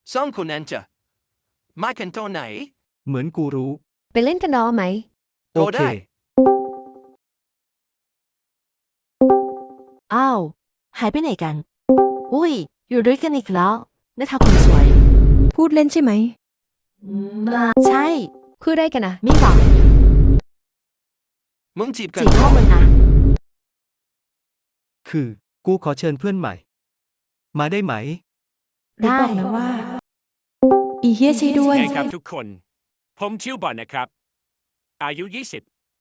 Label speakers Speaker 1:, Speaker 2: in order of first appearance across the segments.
Speaker 1: สองคนนั้นจะมากันตอนไหน
Speaker 2: เหมือนกูรู้
Speaker 3: ไปเล่นกันดอไหม
Speaker 2: โอเค
Speaker 1: ได้
Speaker 4: อ้าวหายไปไหนกัน อุ้ย อยู่ด้วยกันอีกแล้วนะคะคนสวย
Speaker 5: พูดเล่นใช่ไหม
Speaker 4: ใช่
Speaker 3: คือได้กันนะ
Speaker 4: ไม่บอก
Speaker 1: มึงจีบกัน
Speaker 4: จีบพ่อมึงนะ
Speaker 2: คือ กูขอเชิญเพื่อนใหม่ มาได้ไหม
Speaker 4: ได้
Speaker 5: บอกนะว่า อีเฮียใช่ด้วย
Speaker 6: ไงครับทุกคน ผมชื่อบอลนะครับ อายุ 20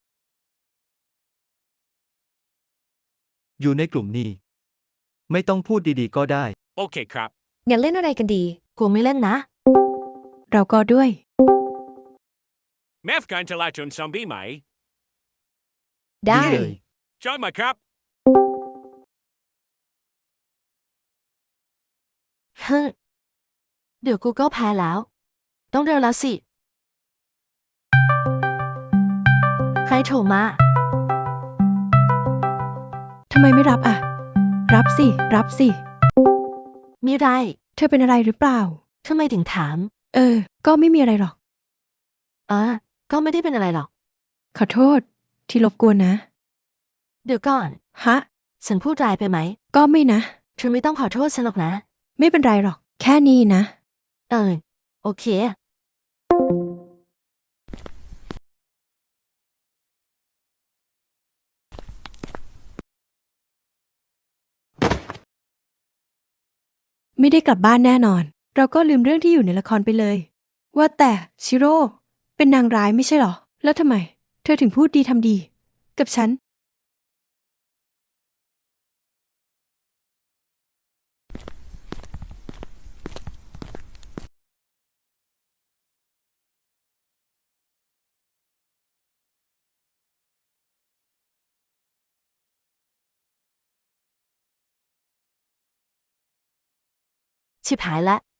Speaker 2: อยู่ในกลุ่มนี้ ไม่ต้องพูดดีๆก็ได้
Speaker 6: โอเคครับ
Speaker 3: งั้นเล่นอะไรกันดี
Speaker 4: กูไม่เล่นนะ
Speaker 5: เราก็ด้วย
Speaker 6: แมฟการจราจรซอมบี้ไหม
Speaker 3: ได้
Speaker 2: ดีเลย
Speaker 6: จอยมาครับ
Speaker 4: ฮึเดี๋ยวกูก็แพ้แล้ว ต้องเร็วแล้วสิ ใครโทรมา
Speaker 5: ทำไมไม่รับอ่ะ รับสิ รับสิ
Speaker 4: มีไร
Speaker 5: เธอเป็นอะไรหรือเปล่า
Speaker 4: ทำไมถึงถาม
Speaker 5: ก็ไม่มีอะไรหรอก
Speaker 4: ก็ไม่ได้เป็นอะไรหรอก
Speaker 5: ขอโทษ ที่รบกวนนะ
Speaker 4: เดี๋ยวก่อน
Speaker 5: ฮะ
Speaker 4: ฉันพูดร้ายไปไหม
Speaker 5: ก็ไม่นะ
Speaker 4: เธอไม่ต้องขอโทษฉันหรอกนะ
Speaker 5: ไม่เป็นไรหรอก แค่นี้นะ
Speaker 4: โอเค
Speaker 5: ไม่ได้กลับบ้านแน่นอน เราก็ลืมเรื่องที่อยู่ในละครไปเลย ว่าแต่ชิโร่ เป็นนางร้ายไม่ใช่หรอ แล้วทำไม เธอถึงพูดดีทำดี กับฉัน
Speaker 4: ชิบหายละ